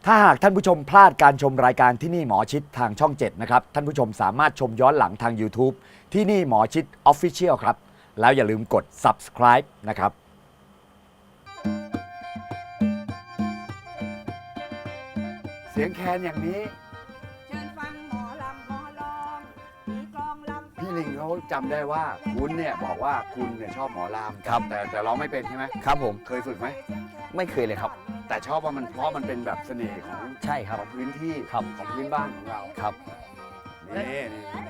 ถ้าหากท่านผู้ชมพลาดการชมรายการที่นี่หมอชิดทางช่อง 7 นะครับ ท่านผู้ชมสามารถชมย้อนหลังทาง YouTube ที่นี่หมอชิด Official ครับ แล้วอย่าลืมกด subscribe นะครับ เสียงแคนอย่างนี้เชิญฟังหมอลำหมอลองมีกลองลำพี่ลิงเขาจำได้ว่าคุณเนี่ยบอกว่าคุณเนี่ยชอบหมอลำครับแต่ร้องไม่เป็นใช่ไหมครับผมเคยฝึกไหมไม่เคยเลยครับแต่ชอบว่ามันเพราะมันเป็นแบบเสน่ห์ของใช่ครับของพื้นที่ครับของพื้นบ้านของเราครับนี่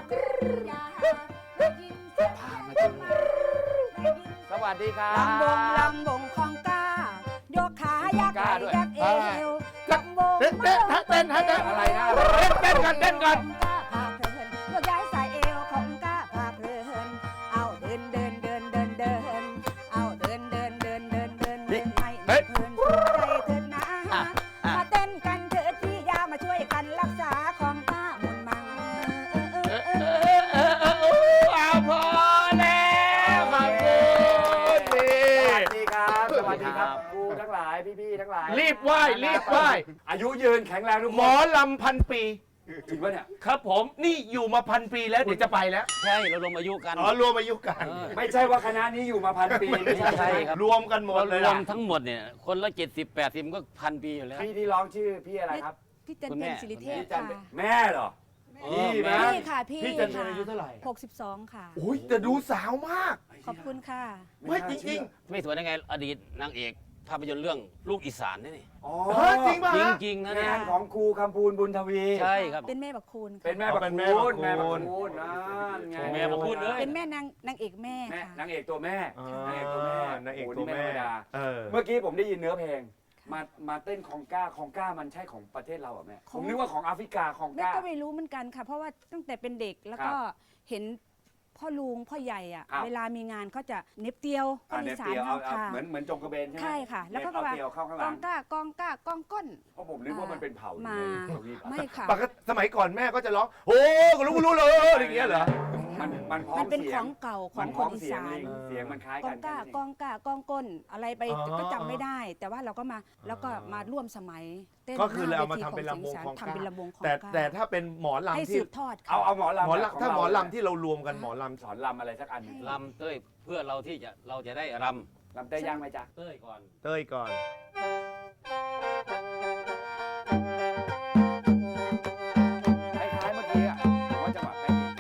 พามาดูสวัสดีครับลำวงของก้ายกขายักไหล่ยักเอวลำวงเต้นอะไรนะเต้นกันก้าพาเพลินยกย้ายสายเอวของก้าพาเพลินเอาเดินเอาเดินให้เพลินใจเถิดนะมาเต้นกันเถิดพี่ยามาช่วยกันรักษาของก้ามุนมังเอาพอแล้วขอบคุณนี่สวัสดีครับสวัสดีครับครูทั้งหลายพี่ๆทั้งหลายรีบไหว้รีบไหว้อายุยืนแข็งแรงทุกหมคอน ลำพันปีจริงปะเนี่ยครับผมนี่อยู่มาพันปีแล้วเดี๋ยวจะไปแล้วใช่เราลงอายุกันอ๋อรวมอายุกันไม่ใช่ว่าคณะนี้อยู่มา1,000 ปีไม่ใช่ครับรวมกันหมดเลยรวล่ะมทั้งหมดเนี่ยคนละ70-80ก็พันปีอยู่แล้วพี่ที่ร้องชื่อพี่อะไรครับพี่จันคุณเพแม่ญศิริเทพพี่จันค่ะแม่เหรอ พี่ไหมพี่ค่ะพี่พี่จันทร์อายุเท่าไหร่ 62 ค่ะโอ้ยแต่ดูสาวมากขอบคุณค่ะไม่จริงไม่สวยได้ไงอดีตนางเอกภาพยนตร์เรื่องลูกอีสานนี่อ๋อๆเฮ้ยจริงป่ะจฮะริงๆนะเนี่งาย นของครูคำพูนบุญทวีใช่ครับเป็นแม่บักคูณค่ะเป็นแม่บักเป็นแม่คูบัณกคูณแม่บักคูณนั่นไงแม่บักคูณเลยเป็นแม่นางเอกแม่แม่ค่ะนางเอกตัวแม่อ๋อนางเอกตัวแม่นางเอกโโหตัวนี่แม่ไธรรดาเออเมื่อกี้ผมได้ยินเนื้อเพลง มาเต้นของก้ามันใช่ของประเทศเราเหรอแม่ผมนึกว่าของแอฟริกาของแม่ก้าก็ไม่รู้เหมือนกันค่ะ เพราะว่าตั้งแต่เป็นเด็กแล้วก็เห็นพ่อลุงพ่อใหญ่อะครับเวลามีงานเขาจะเน็บเตียวคอ่านอีเนปสานเตียวเอาค่ะเหมือนจงกระเบนใช่ไหมใช่ค่ะ แล้วก็เอาว่าเตียวเข้าข้างหกลัอง งก้ากองก้นเพราะผมนึกว่ามันเป็นเผ่าอยู่มาในทวีปไม่ค่ะปกติสมัยก่อนแม่ก็จะร้องโอ้ก็รู้เลยอย่างเงี้ยเหรอมันพ้องมันเป็นสีขยองเก่าขมัองนคพ้อน งอีเสียงสานลิงเสียงมันคล้ายกกัอน งก้าแค่นั้นเกองก้ากองก้นอะไรไปอ๋อก็จำไม่ได้ แต่ว่าเราก็มาแล้วก็มาร่วมสมัยเต้นก็คือเราเอามาหทำเป็นลำวงของทำเป็นลำวงของแต่ก้าแต่ถ้าเป็นหมอให้ลำสืที่บทอดค่ะเอาหมอลำหมอแบบขงลำถ้าหมอเรลำที่เรารวมกันหมอลำสอนลำอะไรสักอันหนึ่งลำเต้ยเพื่อเราที่เราจะได้รลำเต้ยย่างไหมจ๊ะำเต้ยก่อนเต้ยก่อนคล้ายๆเมื่อกี้อะผมว่าจังหวะใกล้เคียง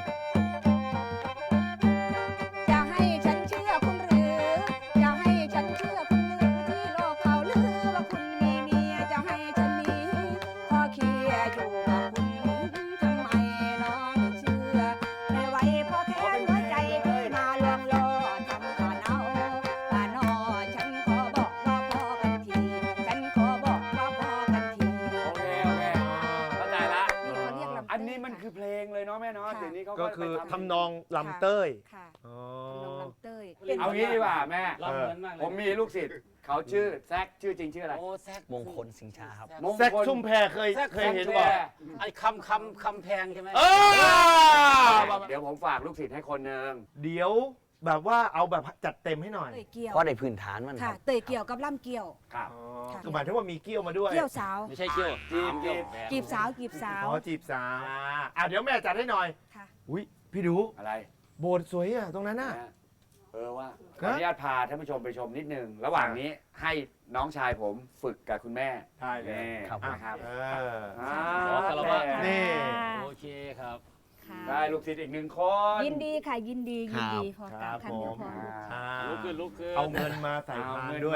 จะให้ฉันเชื่อคุณหรือจะให้ฉันเชื่อคุณหรือที่โลกเขาลือว่าคุณมีเมียจะให้ฉันหนีพอเคลียร์อยู่กับคุณทำไมน้องไม่เชื่อไม่ไหวพอแค่หัวใจพี่มาลวงล่อทำก่อนเอาป่านอฉันขอบอกว่าพอกันทีฉันขอบอกว่าพอกันทีโอเคเข้าใจละนี่เขาเรียกลำเต้ยอันนี้มันคือเพลงเลยเนาะแม่เนาะค่ะเดี๋ยวนี้เขาก็คือไปทำนองลำเต้ยค่ะอ๋อทำนองลำเต้ยเอางี้ดีกว่าแม่ลำเหมือนมากเลยผมมีลูกศิษย์เขาชื่อแซกชื่อจริงชื่ออะไรโอ้แซกมงคลสิงชาครับมงแซกคลชุ่มแพเคยแซกเคยเห็นแชบ่ร์ไอ้คำแพงใช่ไหมเออเดี๋ยวผมฝากลูกศิษย์ให้คนหนึ่งเดี๋ยวแบบว่าเอาแบบจัดเต็มให้หน่อยเตยเกี่ยวเพราะในพื้นฐานมันคค่ะรับเตยเกี่ยวกับล่ำเกี่ยวครับอ๋อค่ะคือหมายถึงว่ามีเกี้ยวมาด้วยเกี่ยวสาวไม่ใช่เกี้ยวจีบเกี้ยวแพงกีบสาวกีบสาวอ๋อจีบสาวเดี๋ยวแม่จัดให้หน่อยค่ะอุ้ยพี่ดูอะไรโบสถ์สวยอ่ะตรงนั้นน่ะว่าขออนุญาตพาท่านผู้ชมไปชมนิดนึง ระหว่างนี้ให้น้องชายผมฝึกกับคุณแม่ใช่เลยนี่ครับนะครับเออขอคารวะนี่โอเคครับค่ะได้ลูกศิษย์อีกหนึ่งคนยินดีค่ะยินดียินดีพอคกรัราบบคำผเดียวมพออ่าลุกขึ้นลุกขึ้นเอาเงินมาใส่พานด้วย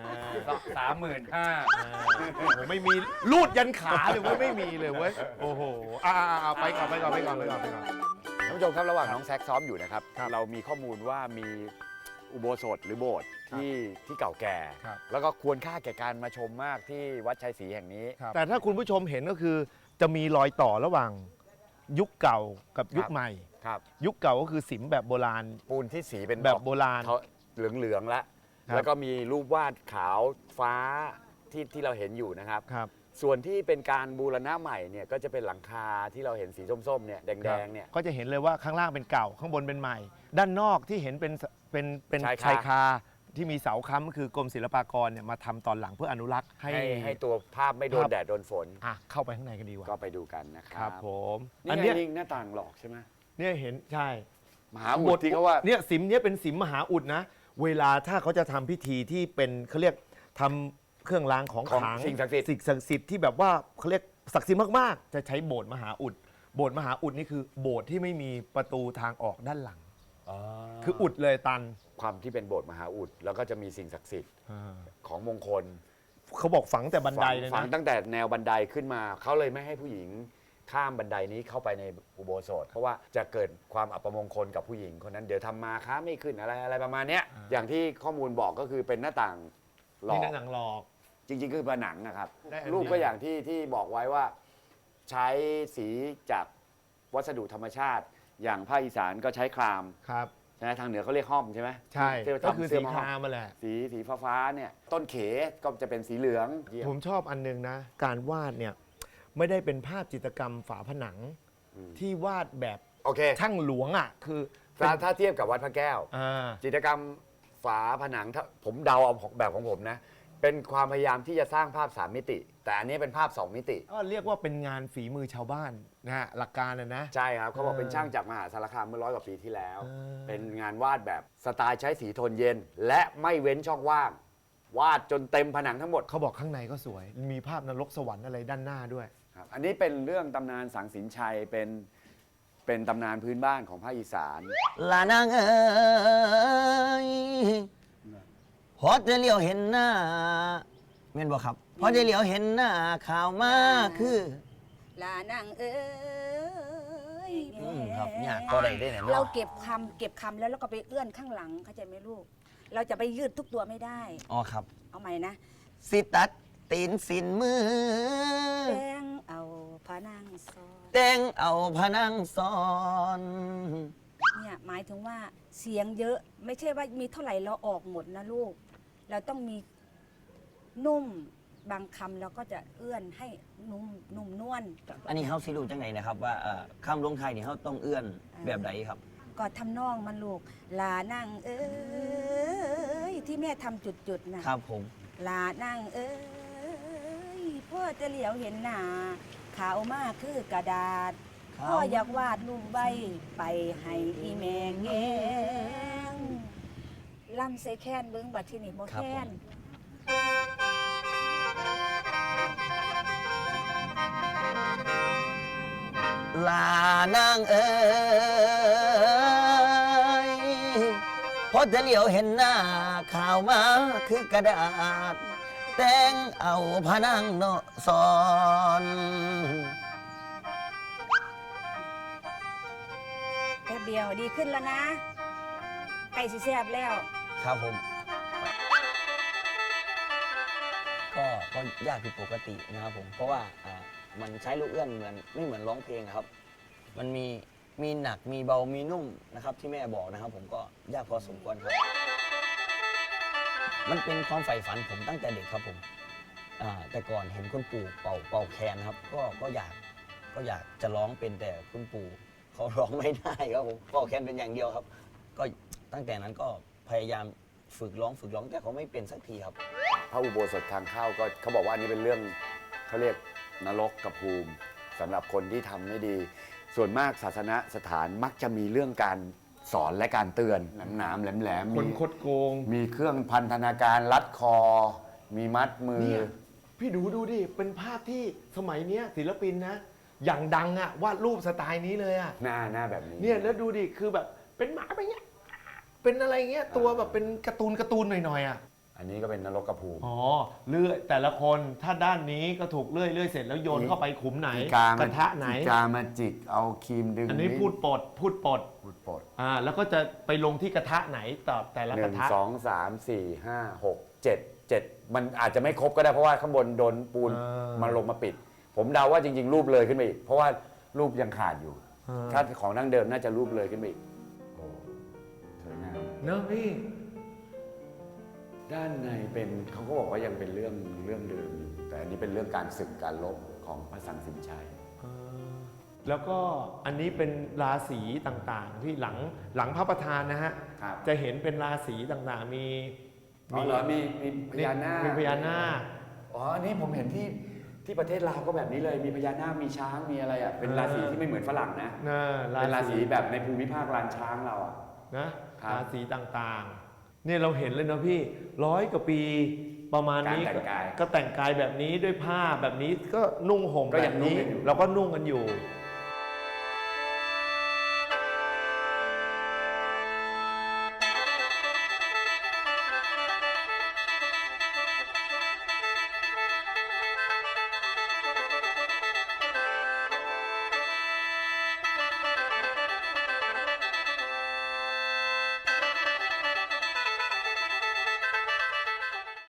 35,000 ผมไม่มีรูดยันขาเลยเว้ยไม่มีเลยเว้ยโอ้โหไปก่อนท่านผู้ชมครับระหว่างน้องแซกซ้อมอยู่นะครับครับเรามีข้อมูลว่ามีอุโบสถหรือโบสถ์ที่เก่าแก่ครับแล้วก็ควรค่าแก่การมาชมมากที่วัดชัยศรีแห่งนี้แต่ถ้าคุณผู้ชมเห็นก็คือจะมีรอยต่อระหว่างยุคเก่ากับยุคใหม่ครับยุคเก่าก็คือศิลป์แบบโบราณปูนที่สีเป็นแบบโบราณเขาเหลืองๆแล้วครับแล้วก็มีรูปวาดขาวฟ้าที่เราเห็นอยู่นะครับครับส่วนที่เป็นการบูรณะใหม่เนี่ยก็จะเป็นหลังคาที่เราเห็นสีส้มๆเนี่ยแดงๆเนี่ยก็จะเห็นเลยว่าข้างล่างเป็นเก่าข้างบนเป็นใหม่ ด้านนอกที่เห็นเป็นชายคาชายคาที่มีเสาค้ำก็คือกรมศิลปากรเนี่ยมาทำตอนหลังเพื่ออนุรักษ์ให้ให้ตัวภาพไม่โดนแดดโดนฝนเข้าไปข้างในกันดีกว่าก็ไปดูกันนะคครัรับบผมนี่อันไงเนี้ยลิงหน้าต่างหลอกใช่ไหมเนี่ยเห็นใช่มหาอุดที่เขาว่าเนี่ยสิมเนี่ยเป็นสิมมหาอุดนะ เวลาถ้าเขาจะทำพิธีที่เป็นเขาเรียกทำเครื่องรางของของขลังสิ่งศักดิ์สิทธิ์สิ่งศักดิ์สิทธิ์ที่แบบว่าเขาเรียกศักดิ์สิทธิ์มากๆ จะใช้โบสถ์มหาอุดโบสถ์มหาอุดนี่คือโบสถ์ที่ไม่มีประตูทางออกด้านหลัง คืออุดเลยตันความที่เป็นโบสถ์มหาอุดแล้วก็จะมีสิ่งศักดิ์สิทธิ์ของมงคลเขาบอกฝังแต่บันไดเลยฝังนะตั้งแต่แนวบันไดขึ้นมาเขาเลยไม่ให้ผู้หญิงข้ามบันไดนี้เข้าไปในอุโบสถเพราะว่าจะเกิดความอัปมงคลกับผู้หญิงคนนั้นเดี๋ยวทำมาค้าไม่ขึ้นอะไรประมาณเนี้ยอย่างที่ข้อมูลบอกก็คือเป็นหน้าต่างหลอนี่กหนังหลอกจริงๆคือผนังนะครับได้อันเดียวรูปก็อย่างที่บอกไว้ว่าใช้สีจากวัสดุธรรมชาติ อย่างภาคอีสานก็ใช้ครามครับใช่ไหมทางเหนือเขาเรียกห้อมใช่ไหมใช่ที่เราก็ทำคือเสื้สีอมาคห้อมรามมาแหละสีฟ้าเนี่ยต้นเขก็จะเป็นสีเหลืองผมชอบอันนึงนะ การวาดเนี่ยไม่ได้เป็นภาพจิตรกรรมฝาผนังที่วาดแบบโอเคช่างหลวงอ่ะคือเป็นถ้าเทียบกับวัดพระแก้ว จิตรกรรมฝาผนังถ้าผมเดาเอาแบบของผมนะ เป็นความพยายามที่จะสร้างภาพ 3 มิติ แต่อันนี้เป็นภาพ 2 มิติก็เรียกว่าเป็นงานฝีมือชาวบ้านนะฮะหลักการนะใช่ครับเขาบอกเป็นช่างจากมหาสารคามเมื่อ100 กว่าปีที่แล้วเออเป็นงานวาดแบบสไตล์ใช้สีโทนเย็น และไม่เว้นช่องว่าง วาดจนเต็มผนังทั้งหมดเขาบอกข้างในก็สวย มีภาพนรกสวรรค์อะไรด้านหน้าด้วยครับอันนี้เป็นเรื่องตำนานสังสินชัยเป็นตำนานพื้นบ้านของภาคอีสานลานางเอ้ยพอจะเลี้ยวเห็นหน้าเม่นบ่ครับพอจะเลี้ยวเห็นหน้าข่าวมาคือลานางเอ้ยครับเนี่ยก็ได้ได้เนี่ยเราเนาะเก็บคำแล้วเราก็ไปเอื้อนข้างหลังเข้าใจไหมลูก เราจะไปยืดทุกตัวไม่ได้อ๋อครับเอาใหม่นะสิตัดตีนสินมือแป้งเอาพระนางซอนแต่งเอาพะนังซ้อนเนี่ยหมายถึงว่าเสียงเยอะไม่ใช่ว่ามีเท่าไหร่เราออกหมดนะลูก เราต้องมีนุ่มบางคำเราก็จะเอื้อนให้นุ่มนวลอันนี้เขาสิรู้จังไหนนะครับว่าคำลงไทายนี่เขาต้องเอื้อนแบบใดครับก็ทำนองมันลูก ลานั่งเอ้ยที่แม่ทำจุดๆนะครับผมลานั่งเอ้ยพ่อจะเหลียวเห็นหน้าขาวมากคือกระดาษ พ่ออยากวาดรูปใบไปให้อีแมงแงงลำใส่แค้นเบิ้งบัดที่นี่บ่แค้นลานางเอ้ยพอจะเหลียวเห็นหน้าข่าวมาคือกระดาษ แต่งเอาพะนังเนาะสอนแป๊บเดียวดีขึ้นแล้วนะไก่สิแซ่บแล้วครับผม ก็ยากผิดปกตินะครับผมเพราะว่ามันใช้ลูกเอื้อนเหมือนไม่เหมือนร้องเพลงอะครับ มันมีหนักมีเบามีนุ่มนะครับที่แม่บอกนะครับ ผมก็ยากพอสมควรครับ มันเป็นความใฝ่ฝันผมตั้งแต่เด็กครับผมแต่ก่อนเห็นคุณปู่เป่าแคนครับก็อยากจะร้องเป็นแต่คุณปู่เขาร้องไม่ได้ครับผมเป่าแคนเป็นอย่างเดียวครับ ก็ตั้งแต่นั้นก็พยายามฝึกร้องแต่เขาไม่เป็นสักทีครับพระอุโบสถทางเข้าก็เขาบอกว่าอันนี้เป็นเรื่องเขาเรียกนรกกับภูมิสำหรับคนที่ทำไม่ดี ส่วนมากศาสนสถานมักจะมีเรื่องการสอนและการเตือนหนามๆแหลมๆคนคดโกงมีเครื่องพันธนาการรัดคอ มีมัดมือเนี่ยพี่ดูดิ เป็นภาพที่สมัยเนี้ยศิลปินนะ อย่างดังอะวาดรูปสไตล์นี้เลยอะหน้าแบบนี้เนี่ยแล้วดูดิ คือแบบเป็นหมาไปเงี้ย เป็นอะไรเงี้ย ตัวแบบเป็นการ์ตูนหน่อยๆอะอันนี้ก็เป็นนรกกับภูมิอ๋อ เลื่อยแต่ละคนถ้าด้านนี้ก็ถูกเลื่อยเสร็จแล้วโยนเข้าไปขุมไหน กระทะไหนอีกามาจิกเอาครีมดึงอันนี้พูดปดพูดปดแล้วก็จะไปลงที่กระทะไหนต่อแต่ละหกนึ่ระงทะสองสามสี่ห้าหกเจ็ดมันอาจจะไม่ครบก็ได้เพราะว่าข้างบนโดนปูนมาลงมาปิด ผมเดาว่าจริงๆ รูปเลยขึ้นไปอีก เพราะว่ารูปยังขาดอยู่ ถ้าของดั้งเดิมน่าจะรูปเลยขึ้นไปอีกโอ้สวยงามเนอะพี่ด้านในเป็นเขาก็บอกว่ายังเป็นเรื่องเดิมอยู่แต่อันนี้เป็นเรื่องการศึกการลบของพระสังสินชัยแล้วก็อันนี้เป็นราศีต่างๆ ที่หลังพระประธานนะฮะครับจะเห็นเป็นราศีต่างๆ มีอ๋อเหรอมีพญานาคมีพญานาคอ๋ออันนี้ผมเห็นที่ประเทศลาวก็แบบนี้เลยมีพญานาคมีช้างมีอะไรอ่ะเป็นราศีที่ไม่เหมือนฝรั่งนะเป็นราศีแบบในภูมิภาคลานช้างเราอ่ะนะครับ ราศีต่างๆเนี่ยเราเห็นเลยนะพี่100 กว่าปีประมาณนี้การแต่งกายก็แต่งกายแบบนี้ด้วยผ้าแบบนี้ก็นุ่งห่มก็แบยังบนุ่งนี้กันอยู่เราก็นุ่งกันอยู่อ